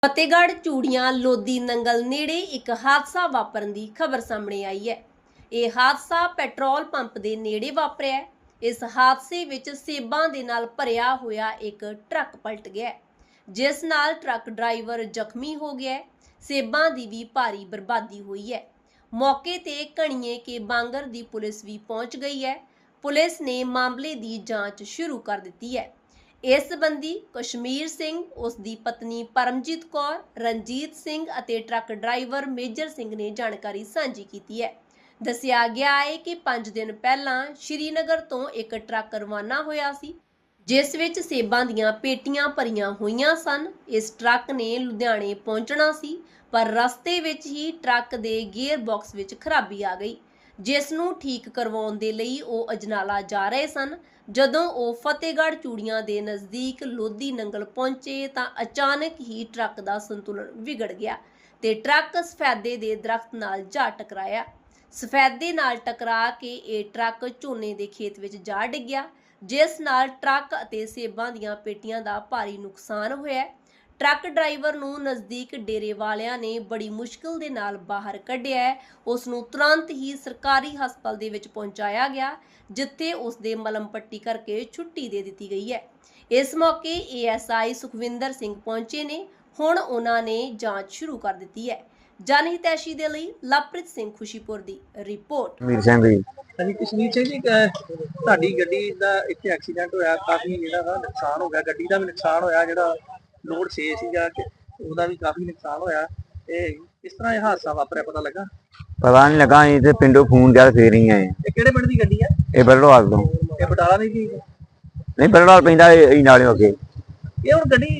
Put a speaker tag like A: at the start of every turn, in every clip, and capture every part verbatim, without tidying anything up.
A: ਫਤਿਹਗੜ੍ਹ ਚੂੜੀਆਂ ਲੋਧੀ ਨੰਗਲ ਨੇੜੇ ਇੱਕ ਹਾਦਸਾ ਵਾਪਰਨ ਦੀ ਖਬਰ ਸਾਹਮਣੇ ਆਈ ਹੈ। ਇਹ ਹਾਦਸਾ ਪੈਟਰੋਲ ਪੰਪ ਦੇ ਨੇੜੇ ਵਾਪਰਿਆ ਹੈ। ਇਸ ਹਾਦਸੇ ਵਿੱਚ ਸੇਬਾਂ ਦੇ ਨਾਲ ਭਰਿਆ ਹੋਇਆ ਇੱਕ ਟਰੱਕ ਪਲਟ ਗਿਆ, ਜਿਸ ਨਾਲ ਟਰੱਕ ਡਰਾਈਵਰ ਜ਼ਖਮੀ ਹੋ ਗਿਆ ਹੈ। ਸੇਬਾਂ ਦੀ ਵੀ ਭਾਰੀ ਬਰਬਾਦੀ ਹੋਈ ਹੈ। ਮੌਕੇ ਤੇ ਕਣੀਏ ਕੇ ਬਾਂਗਰ ਦੀ ਪੁਲਿਸ ਵੀ ਪਹੁੰਚ ਗਈ ਹੈ। ਪੁਲਿਸ ਨੇ ਮਾਮਲੇ ਦੀ ਜਾਂਚ ਸ਼ੁਰੂ ਕਰ ਦਿੱਤੀ ਹੈ। ਇਸ ਸੰਬੰਧੀ ਕਸ਼ਮੀਰ ਸਿੰਘ, ਉਸ ਦੀ ਪਤਨੀ ਪਰਮਜੀਤ ਕੌਰ, ਰਣਜੀਤ ਸਿੰਘ ਅਤੇ ਟਰੱਕ ਡਰਾਈਵਰ ਮੇਜਰ ਸਿੰਘ ਨੇ ਜਾਣਕਾਰੀ ਸਾਂਝੀ ਕੀਤੀ ਹੈ। ਦੱਸਿਆ ਗਿਆ ਹੈ ਕਿ ਪੰਜ ਦਿਨ ਪਹਿਲਾਂ ਸ਼੍ਰੀਨਗਰ ਤੋਂ ਇੱਕ ਟਰੱਕ ਰਵਾਨਾ ਹੋਇਆ ਸੀ, ਜਿਸ ਵਿੱਚ ਸੇਬਾਂ ਦੀਆਂ ਪੇਟੀਆਂ ਭਰੀਆਂ ਹੋਈਆਂ ਸਨ। ਇਸ ਟਰੱਕ ਨੇ ਲੁਧਿਆਣੇ ਪਹੁੰਚਣਾ ਸੀ, ਪਰ ਰਸਤੇ ਵਿੱਚ ਹੀ ਟਰੱਕ ਦੇ ਗੀਅਰ ਬਾਕਸ ਵਿੱਚ ਖਰਾਬੀ ਆ ਗਈ, ਜਿਸ ਨੂੰ ਠੀਕ ਕਰਵਾਉਣ ਦੇ ਲਈ ਉਹ ਅਜਨਾਲਾ ਜਾ ਰਹੇ ਸਨ। ਜਦੋਂ ਉਹ ਫਤਿਹਗੜ੍ਹ ਚੂੜੀਆਂ ਦੇ ਨਜ਼ਦੀਕ ਲੋਧੀ ਨੰਗਲ ਪਹੁੰਚੇ ਤਾਂ ਅਚਾਨਕ ਹੀ ਟਰੱਕ ਦਾ ਸੰਤੁਲਨ ਵਿਗੜ ਗਿਆ ਤੇ ਟਰੱਕ ਸਫੈਦੇ ਦੇ ਦਰਖਤ ਨਾਲ ਜਾ ਟਕਰਾਇਆ। ਸਫੈਦੇ ਨਾਲ ਟਕਰਾ ਕੇ ਇਹ ਟਰੱਕ ਝੋਨੇ ਦੇ ਖੇਤ ਵਿੱਚ ਜਾ ਡਿੱਗਿਆ, ਜਿਸ ਨਾਲ ਟਰੱਕ ਅਤੇ ਸੇਬਾਂ ਦੀਆਂ ਪੇਟੀਆਂ ਦਾ ਭਾਰੀ ਨੁਕਸਾਨ ਹੋਇਆ। ਟਰੱਕ ਡਰਾਈਵਰ ਨੂੰ ਨਜ਼ਦੀਕ ਡੇਰੇ ਵਾਲਿਆਂ ਨੇ ਬੜੀ ਮੁਸ਼ਕਿਲ ਦੇ ਨਾਲ ਬਾਹਰ ਕੱਢਿਆ ਹੈ। ਉਸ ਨੂੰ ਤੁਰੰਤ ਹੀ ਸਰਕਾਰੀ ਹਸਪਤਾਲ ਦੇ ਵਿੱਚ ਪਹੁੰਚਾਇਆ ਗਿਆ, ਜਿੱਥੇ ਉਸ ਦੇ ਮਲਮ ਪੱਟੀ ਕਰਕੇ ਛੁੱਟੀ ਦੇ ਦਿੱਤੀ ਗਈ ਹੈ। ਇਸ ਮੌਕੇ A S I Sukhwinder Singh ਪਹੁੰਚੇ ਨੇ। ਹੁਣ ਉਹਨਾਂ ਨੇ ਜਾਂਚ ਸ਼ੁਰੂ ਕਰ ਦਿੱਤੀ ਹੈ। ਜਨਹਿਤੈਸ਼ੀ ਦੇ ਲਈ ਲਵਪ੍ਰੀਤ ਸਿੰਘ ਖੁਸ਼ੀਪੁਰ ਦੀ ਰਿਪੋਰਟ।
B: ਵੀਰ ਸਿੰਘ ਜੀ
C: ਹਾਂਜੀ ਕਸ਼ਮੀਰ ਸਿੰਘ ਜੀ, ਤੁਹਾਡੀ ਗੱਡੀ ਦਾ ਇੱਥੇ ਐਕਸੀਡੈਂਟ ਹੋਇਆ, ਕਾਫੀ ਜਿਹੜਾ ਵਾ ਨੁਕਸਾਨ ਹੋ ਗਿਆ, ਗੱਡੀ ਦਾ ਵੀ ਨੁਕਸਾਨ ਹੋਇਆ, ਜਿਹੜਾ ਲੋਡ ਛੇ ਸੀਗਾ ਉਹਦਾ ਵੀ ਕਾਫੀ ਨੁਕਸਾਨ ਹੋਇਆ। ਤੇ ਕਿਸ ਤਰ੍ਹਾਂ ਇਹ ਹਾਦਸਾ ਵਾਪਰਿਆ ਪਤਾ ਲੱਗਾ?
B: ਪਤਾ ਨਹੀਂ ਲੱਗਾ, ਅਸੀਂ ਤੇ ਪਿੰਡੋਂ ਫੋਨ ਕਰ ਫੇਰ ਹੀ ਆਏ।
C: ਇਹ ਕਿਹੜੇ ਪਿੰਡ ਦੀ ਗੱਡੀ ਆ?
B: ਇਹ ਬਰੜਵਾਲ ਤੋਂ।
C: ਇਹ ਬਟਾਲਾ ਨਹੀਂ ਜੀ?
B: ਨਹੀਂ, ਬਰੜਵਾਲ ਪੈਂਦਾ ਇਹ ਨਾਲੇ ਅੱਗੇ।
C: ਇਹ ਹੁਣ ਗੱਡੀ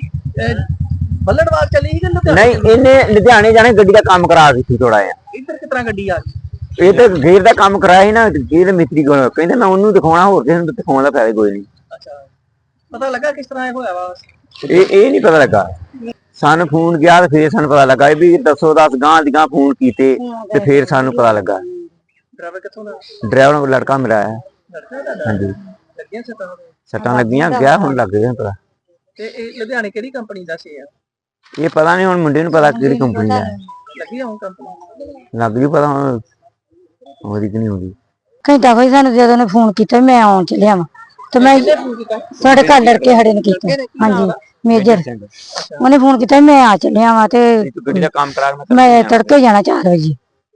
C: ਬੱਲੜਵਾਲ ਚੱਲੀ ਸੀ ਕਿ ਲੁਧਿਆਣੇ?
B: ਨਹੀਂ, ਇਹਨੇ ਲੁਧਿਆਣੇ ਜਾਣੇ ਗੱਡੀ ਦਾ ਕੰਮ ਕਰਾ ਦਿੱਤੀ ਥੋੜਾ ਜਿਹਾ।
C: ਇੱਧਰ ਕਿਸ ਤਰ੍ਹਾਂ ਗੱਡੀ ਆ ਗਈ?
B: ਇਹ ਤੇ ਗੇਰ ਦਾ ਕੰਮ ਕਰਾਇਆ ਸੀ ਨਾ, ਗੇਰ ਮਿਸਤਰੀ ਕੋਲ। ਕਹਿੰਦੇ ਮੈਂ ਉਹਨੂੰ ਦਿਖਾਉਣਾ, ਹੋਰ ਕਿਸੇ ਨੂੰ ਦਿਖਾਉਣ ਦਾ ਫਾਇਦਾ ਕੋਈ ਨਹੀਂ।
C: ਅੱਛਾ, ਪਤਾ ਲੱਗਾ ਕਿਸ ਤਰ੍ਹਾਂ ਇਹ ਹੋਇਆ ਵਾ?
B: ਇਹ ਇਹ ਨਹੀਂ ਪਤਾ ਲੱਗਾ। ਸਾਨੂੰ ਫੋਨ ਗਿਆ ਤੇ ਫੇਰ ਸਾਨੂੰ ਪਤਾ ਲੱਗਾ ਵੀ ਦੱਸੋ ਦਸ ਗਾਂ ਦੀ ਗਾਂ ਫੋਨ ਕੀਤੇ ਤੇ ਫੇਰ ਸਾਨੂੰ ਪਤਾ ਲੱਗਾ।
C: ਡਰਾਈਵਰ ਕਿੱਥੋਂ ਦਾ?
B: ਡਰਾਈਵਰ ਨੂੰ ਲੜਕਾ ਮਿਲਿਆ ਹੈ। ਹਾਂਜੀ,
C: ਲੱਗੀਆਂ ਸੱਟਾਂ?
B: ਸੱਟਾਂ ਲੱਗੀਆਂ, ਗਿਆ ਹੁਣ ਲੱਗ ਗਿਆ ਪਤਾ।
C: ਤੇ ਇਹ ਲੁਧਿਆਣੇ ਕਿਹੜੀ ਕੰਪਨੀ ਦਾ ਸੀ?
B: ਇਹ ਪਤਾ ਨਹੀਂ, ਹੁਣ ਮੁੰਡੇ ਨੂੰ ਪਤਾ ਕਿਹੜੀ ਕੰਪਨੀ ਦਾ
C: ਲੱਗੀ ਹੁਣ ਕੰਪਨੀ
B: ਲੱਗ ਗਈ ਪਤਾ ਹੁਣ ਹੋਰੀ ਕਿ ਨਹੀਂ ਹੋਰੀ।
D: ਘੰਟਾ ਕੋਈ ਸਾਨੂੰ ਜਦੋਂ ਨੇ ਫੋਨ ਕੀਤਾ ਮੈਂ ਆਉਣ ਚੱਲਿਆ ਵਾਂ ਤੇ ਮੈਂ ਸਾਡੇ ਘਰ ਲੜਕੇ ਖੜੇ ਨੇ ਕੀਤਾ। ਹਾਂਜੀ, ਮੇਜਰ ਉਹਨੇ ਫੋਨ ਕੀਤਾ, ਮੈਂ ਆ ਚੱਲਿਆ ਵਾਂ ਤੇ
B: ਗੱਡੀ ਦਾ ਕੰਮ ਕਰਾ
D: ਮੈਂ ਤੜਕੇ ਜਾਣਾ ਚਾਰ ਵਜੇ।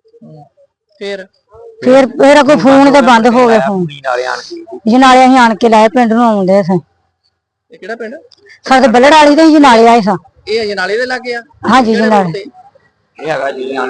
C: ਫਿਰ
D: ਫਿਰ ਫਿਰ ਅੱਗੋਂ ਫੋਨ ਤੇ ਬੰਦ ਹੋ ਗਿਆ ਫੋਨ। ਜਨਾਲੇ ਅਸੀਂ ਆਣ ਕੇ ਲਾਏ, ਪਿੰਡ ਨੂੰ ਆਉਂਦੇ ਸਾਂ।
C: ਇਹ ਕਿਹੜਾ ਪਿੰਡ?
D: ਸਾਡੇ ਬੱਲੜ ਵਾਲੀ ਦੇ ਜਨਾਲੇ ਆਏ ਸਾਂ।
C: ਇਹ ਅਜਨਾਲੇ ਦੇ ਲੱਗੇ ਆ?
D: ਹਾਂਜੀ, ਜਨਾਲੇ
B: ਇਹ ਹੈਗਾ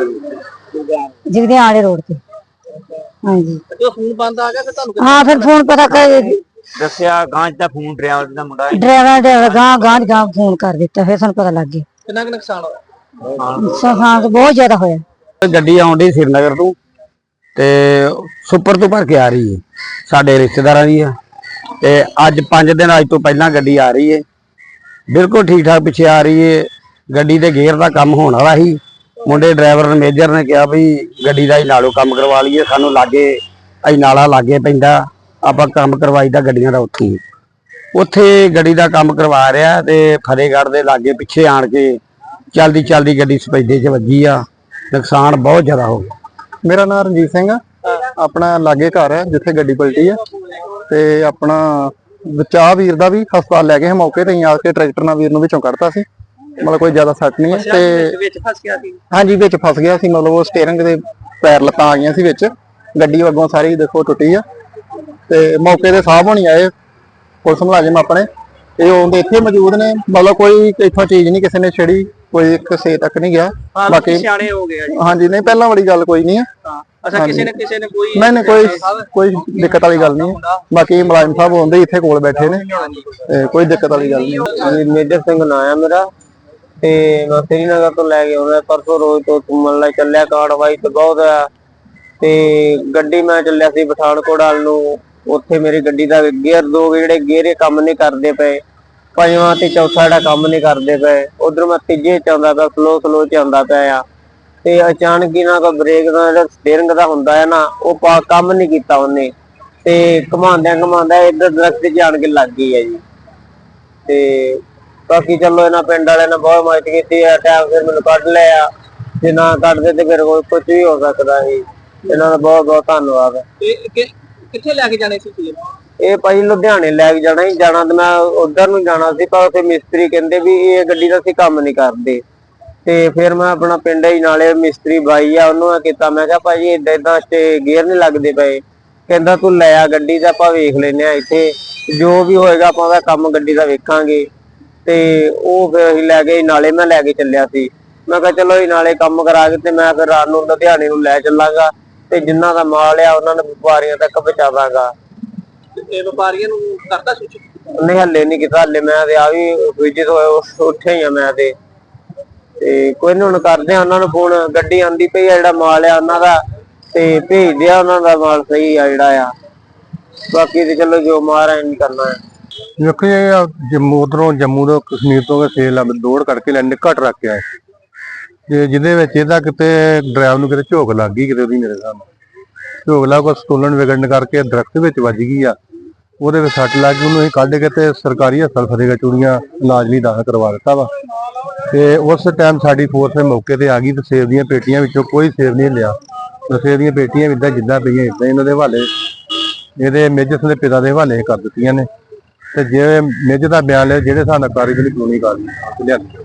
D: ਜਿਗਦੇ ਆਲੇ ਰੋਡ ਤੇ। ਹਾਂਜੀ,
C: ਜਦੋਂ ਫੋਨ ਬੰਦ ਆ ਗਿਆ ਫਿਰ ਤੁਹਾਨੂੰ?
D: ਹਾਂ, ਫਿਰ ਫੋਨ ਪਤਾ ਕਰ
B: ਦੱਸਿਆ ਗਾਂ ਦਾ ਫੋਨ ਡਰਾਈਵਰ ਦਾ ਮੁੰਡਾ
D: ਡਰਾਈਵਰ ਦੇ ਗਾਂ ਗਾਂ ਗਾਂ ਫੋਨ ਕਰ ਦਿੱਤਾ, ਫਿਰ ਸਾਨੂੰ ਪਤਾ ਲੱਗ ਗਿਆ।
C: ਕਿੰਨਾ ਕੁ ਨੁਕਸਾਨ ਹੋਇਆ?
D: ਨੁਕਸਾਨ ਬਹੁਤ ਜ਼ਿਆਦਾ ਹੋਇਆ।
B: ਗੱਡੀ ਆਉਂਦੀ ਸ਼੍ਰੀਨਗਰ ਤੋਂ ਤੇ ਸੁਪਰ ਤੋਂ ਭਰ ਕੇ ਆ ਰਹੀ ਹੈ, ਸਾਡੇ ਰਿਸ਼ਤੇਦਾਰਾਂ ਦੀ ਆ। ਤੇ ਅੱਜ ਪੰਜ ਦਿਨ ਅੱਜ ਤੋਂ ਪਹਿਲਾਂ ਗੱਡੀ ਆ ਰਹੀ ਹੈ, ਬਿਲਕੁਲ ਠੀਕ ਠਾਕ ਪਿੱਛੇ ਆ ਰਹੀ ਹੈ। ਗੱਡੀ ਦੇ ਗੇਅਰ ਦਾ ਕੰਮ ਹੋਣ ਵਾਲਾ ਸੀ। ਮੁੰਡੇ ਡਰਾਈਵਰ ਮੇਜਰ ਨੇ ਕਿਹਾ ਵੀ ਗੱਡੀ ਦਾ ਹੀ ਨਾਲੋਂ ਕੰਮ ਕਰਵਾ ਲਈਏ, ਸਾਨੂੰ ਲਾਗੇ ਅਸੀਂ ਨਾਲਾ ਲਾਗੇ ਪੈਂਦਾ, ਆਪਾਂ ਕੰਮ ਕਰਵਾਈਦਾ ਗੱਡੀਆਂ ਦਾ ਉੱਥੇ ਉੱਥੇ ਗੱਡੀ ਦਾ ਕੰਮ ਕਰਵਾ ਰਿਹਾ। ਤੇ ਫਤਿਹਗੜ੍ਹ ਦੇ ਲਾਗੇ ਪਿੱਛੇ ਆਣ ਕੇ ਚਲਦੀ ਚਲਦੀ ਗੱਡੀ ਸਪੈਦੇ 'ਚ ਵੱਜੀ ਆ, ਨੁਕਸਾਨ ਬਹੁਤ ਜ਼ਿਆਦਾ ਹੋ ਗਿਆ।
E: ਮੇਰਾ ਨਾਮ ਰਣਜੀਤ ਸਿੰਘ ਆ, ਆਪਣਾ ਲਾਗੇ ਘਰ ਹੈ ਜਿੱਥੇ ਗੱਡੀ ਪਲਟੀ ਆ। ਤੇ ਆਪਣਾ ਬਚਾ ਵੀਰ ਦਾ ਵੀ ਹਸਪਤਾਲ ਲੈ ਗਏ ਮੌਕੇ ਤੇ ਹੀ ਆ ਕੇ, ਟਰੈਕਟਰ ਨਾਲ ਵੀਰ ਨੂੰ ਵਿੱਚੋਂ ਕੱਢਤਾ ਸੀ, ਮਤਲਬ ਕੋਈ ਜ਼ਿਆਦਾ ਸੱਟ ਨਹੀਂ ਹੈ। ਤੇ
C: ਵਿੱਚ ਫਸ ਗਿਆ ਸੀ?
E: ਹਾਂਜੀ, ਵਿੱਚ ਫਸ ਗਿਆ ਸੀ, ਮਤਲਬ ਉਹ ਸਟੀਅਰਿੰਗ ਦੇ ਪੈਰ ਲੱਤਾਂ ਆ ਗਈਆਂ ਸੀ ਵਿੱਚ, ਗੱਡੀ ਅੱਗੋਂ ਸਾਰੀ ਦੇਖੋ ਟੁੱਟੀ ਆ। ਤੇ ਮੌਕੇ ਤੇ ਸਾਹਿਬ ਹੋਣੀ ਆਏ, ਪੁਲਿਸ ਮੁਲਾਜ਼ਮ ਆਪਣੇ, ਇਹ ਉਹਦੇ ਇੱਥੇ ਮੌਜੂਦ ਨੇ। ਮਤਲਬ ਕੋਈ ਇੱਥੋਂ ਚੀਜ਼ ਨਹੀਂ ਕਿਸੇ ਨੇ ਛੇੜੀ, ਕੋਈ ਕਿਸੇ ਤੱਕ ਨਹੀਂ ਗਿਆ।
C: ਬਾਕੀ ਸਿਆਣੇ ਹੋ ਗਏ ਜੀ?
E: ਹਾਂਜੀ, ਨਹੀਂ ਪਹਿਲਾਂ ਵਾਲੀ ਗੱਲ ਕੋਈ ਨਹੀਂ ਹੈ।
C: ਅੱਛਾ, ਕਿਸੇ ਨੇ ਕਿਸੇ ਨੇ ਕੋਈ
E: ਨਹੀਂ ਨਹੀਂ ਕੋਈ ਕੋਈ ਦਿੱਕਤ ਵਾਲੀ ਗੱਲ ਨਹੀਂ ਹੈ। ਬਾਕੀ ਮੁਲਾਜ਼ਮ ਸਾਹਿਬ ਹੁੰਦੇ ਇੱਥੇ ਕੋਲ ਬੈਠੇ ਨੇ, ਤੇ ਕੋਈ ਦਿੱਕਤ ਵਾਲੀ ਗੱਲ ਨਹੀਂ।
B: ਮੇਜਰ ਸਿੰਘ ਨਾਂ ਆ ਮੇਰਾ, ਤੇ ਮੈਂ ਸ਼੍ਰੀਨਗਰ ਤੋਂ ਲੈ ਕੇ ਆਉਂਦਾ ਪਰਸੋਂ ਰੋਜ਼ ਤੋਂ ਘੁੰਮਣ ਲਈ ਚੱਲਿਆ। ਕਾਰਵਾਈ ਤੇ ਬਹੁਤ ਆ। ਤੇ ਗੱਡੀ ਮੈਂ ਚੱਲਿਆ ਸੀ ਪਠਾਨਕੋਟ ਵੱਲ ਨੂੰ, ਉੱਥੇ ਮੇਰੀ ਗੱਡੀ ਦਾ ਗੇਅਰ ਦੋ ਜਿਹੜੇ ਗੇਅਰੇ ਕੰਮ ਨਹੀਂ ਕਰਦੇ ਪਏ, ਪੰਜਵਾਂ ਤੇ ਚੌਥਾ ਜਿਹੜਾ ਕੰਮ ਨਹੀਂ ਕਰਦੇ ਪਏ। ਉਧਰ ਮੈਂ ਤੀਜੇ ਚ ਆਉਂਦਾ ਪਿਆ, ਸਲੋ ਸਲੋ ਚ ਆਉਂਦਾ ਪਿਆ ਆ। ਤੇ ਅਚਾਨਕ ਹੀ ਨਾ ਕੋਈ ਬ੍ਰੇਕ ਦਾ ਜਿਹੜਾ ਸਟੀਅਰਿੰਗ ਦਾ ਹੁੰਦਾ ਹੈ ਨਾ, ਉਹ ਕੰਮ ਨਹੀਂ ਕੀਤਾ ਉਹਨੇ, ਤੇ ਘੁਮਾਉਂਦਿਆਂ ਘੁਮਾਉਂਦਾ ਇੱਧਰ ਦਰਖਤ 'ਚ ਆਣ ਕੇ ਲੱਗ ਗਈ ਹੈ ਜੀ। ਤੇ ਬਾਕੀ ਚਲੋ ਇਹਨਾਂ ਪਿੰਡ ਵਾਲਿਆਂ ਨੇ ਬਹੁਤ ਮਦਦ ਕੀਤੀ ਹੈ, ਟਾਈਮ ਫਿਰ ਮੈਨੂੰ ਕੱਢ ਲਿਆ, ਜੇ ਨਾ ਕੱਢਦੇ ਤੇ ਫਿਰ ਕੋਈ ਕੁਝ ਵੀ ਹੋ ਸਕਦਾ ਸੀ। ਇਹਨਾਂ ਦਾ ਬਹੁਤ ਬਹੁਤ ਧੰਨਵਾਦ।
C: ਇਹ ਕਿ- ਕਿੱਥੇ ਲੈ ਕੇ ਜਾਣੇ ਸੀ ਤੁਸੀਂ?
B: ਇਹ ਭਾਈ ਲੁਧਿਆਣੇ ਲੈ ਕੇ ਜਾਣਾ ਸੀ, ਜਾਣਾ ਤੇ ਮੈਂ ਉਧਰ ਨੂੰ ਜਾਣਾ ਸੀ, ਪਰ ਉੱਥੇ ਮਿਸਤਰੀ ਕਹਿੰਦੇ ਵੀ ਇਹ ਗੱਡੀ ਦਾ ਅਸੀਂ ਕੰਮ ਨਹੀਂ ਕਰਦੇ। ਤੇ ਫਿਰ ਮੈਂ ਆਪਣਾ ਪਿੰਡ ਹੀ ਨਾਲੇ ਮਿਸਤਰੀ ਬਾਈ ਆ ਉਹਨੂੰ ਮੈਂ ਕੀਤਾ, ਮੈਂ ਕਿਹਾ ਭਾਜੀ ਏਦਾਂ ਏਦਾਂ ਤੇ ਗੇਅਰ ਨਹੀਂ ਲੱਗਦੇ ਪਏ। ਕਹਿੰਦਾ ਤੂੰ ਲੈ ਆ ਗੱਡੀ ਦਾ, ਆਪਾਂ ਵੇਖ ਲੈਨੇ ਆ ਇੱਥੇ ਜੋ ਵੀ ਹੋਏਗਾ ਆਪਾਂ ਉਹਦਾ ਕੰਮ ਗੱਡੀ ਦਾ ਵੇਖਾਂਗੇ। ਤੇ ਉਹ ਫਿਰ ਅਸੀਂ ਲੈ ਗਏ, ਨਾਲੇ ਮੈਂ ਲੈ ਕੇ ਚੱਲਿਆ ਸੀ। ਮੈਂ ਕਿਹਾ ਚਲੋ ਇਹ ਨਾਲੇ ਕੰਮ ਕਰਾ ਕੇ ਤੇ ਮੈਂ ਫਿਰ ਰਾਤ ਨੂੰ ਲੁਧਿਆਣੇ ਨੂੰ ਲੈ ਚੱਲਾਂਗਾ ਤੇ ਜਿੰਨਾ ਦਾ ਮਾਲ ਆ ਉਹਨਾਂ ਨੂੰ ਵਪਾਰੀਆਂ ਤੱਕ ਪਹੁੰਚਾਵਾਂਗਾ।
C: ਇਹ ਵਪਾਰੀਆਂ ਨੂੰ ਕਰਤਾ ਸੂਚਿਤ?
B: ਨਹੀਂ ਹੱਲੇ ਨਹੀਂ ਕੀਤਾ, ਹੱਲੇ ਮੈਂ ਤੇ ਆ ਵੀ ਵਿਜਿਟ ਹੋਏ ਉੱਠਿਆ ਹੀ ਆ ਮੈਂ ਤੇ ਤੇ ਕੋਈ ਨੀ ਹੁਣ ਕਰਦੇ ਆ ਉਹਨਾਂ ਨੂੰ ਫੋਨ। ਗੱਡੀ ਆਂਦੀ ਪਈ ਆ, ਜਿਹੜਾ ਮਾਲ ਆ ਉਹਨਾਂ ਦਾ ਤੇ ਭੇਜਦੇ ਆ, ਉਹਨਾਂ ਦਾ ਮਾਲ ਸਹੀ ਆ ਜਿਹੜਾ ਆ। ਬਾਕੀ ਤੇ ਚਲੋ ਜੋ ਮਾਰਾ ਨਹੀਂ ਕਰਨਾ ਹੈ।
E: ਦੇਖੋ ਇਹ ਜੰਮੂ ਉਧਰੋਂ ਜੰਮੂ ਤੋਂ ਕਸ਼ਮੀਰ ਤੋਂ ਸੇਲ ਦੌੜ ਕਰਕੇ ਲੈਣੇ ਘੱਟ ਰੱਖ ਕੇ ਆਏ ਤੇ ਜਿਹਦੇ ਵਿੱਚ ਇਹਦਾ ਕਿਤੇ ਡਰਾਈਵਰ ਨੂੰ ਕਿਤੇ ਝੋਕ ਲੱਗ ਗਈ ਕਿਤੇ ਉਹਦੀ, ਮੇਰੇ ਸਾਹਮਣੇ ਝੋਕ ਲੱਗ ਕੋ ਸਟੋਲਨ ਵਿਗੜਨ ਕਰਕੇ ਦਰਖਤ ਵਿੱਚ ਵੱਜ ਗਈ ਆ, ਉਹਦੇ ਵਿੱਚ ਸੱਟ ਲੱਗ ਗਈ। ਉਹਨੂੰ ਅਸੀਂ ਕੱਢ ਕੇ ਤੇ ਸਰਕਾਰੀ ਹਸਪਤਾਲ ਫਤਿਹਗੜ੍ਹ ਚੂੜੀਆਂ ਇਲਾਜ ਲਈ ਦਾਖਲ ਕਰਵਾ ਦਿੱਤਾ ਵਾ। ਤੇ ਉਸ ਟਾਈਮ ਸਾਡੀ ਫੋਰਸ ਮੌਕੇ ਤੇ ਆ ਗਈ ਤੇ ਸੇਬ ਦੀਆਂ ਪੇਟੀਆਂ ਵਿੱਚੋਂ ਕੋਈ ਸੇਬ ਨਹੀਂ ਲਿਆ। ਸੇਬ ਦੀਆਂ ਪੇਟੀਆਂ ਇਦਾਂ ਜਿੱਦਾਂ ਪਈਆਂ ਇਦਾਂ ਇਹਨਾਂ ਦੇ ਹਵਾਲੇ, ਇਹਦੇ ਮੇਜਰ ਦੇ ਪਿਤਾ ਦੇ ਹਵਾਲੇ ਕਰ ਦਿੱਤੀਆਂ ਨੇ। ਤੇ ਜੇ ਮੇਜਰ ਦਾ ਬਿਆਨ ਲਿਆ ਜਿਹੜੇ ਹਿਸਾਬ ਨਾਲ ਕਾਰਵਾਈ ਕਾਨੂੰਨੀ ਕਾਰਵਾਈ ਲਿਆ।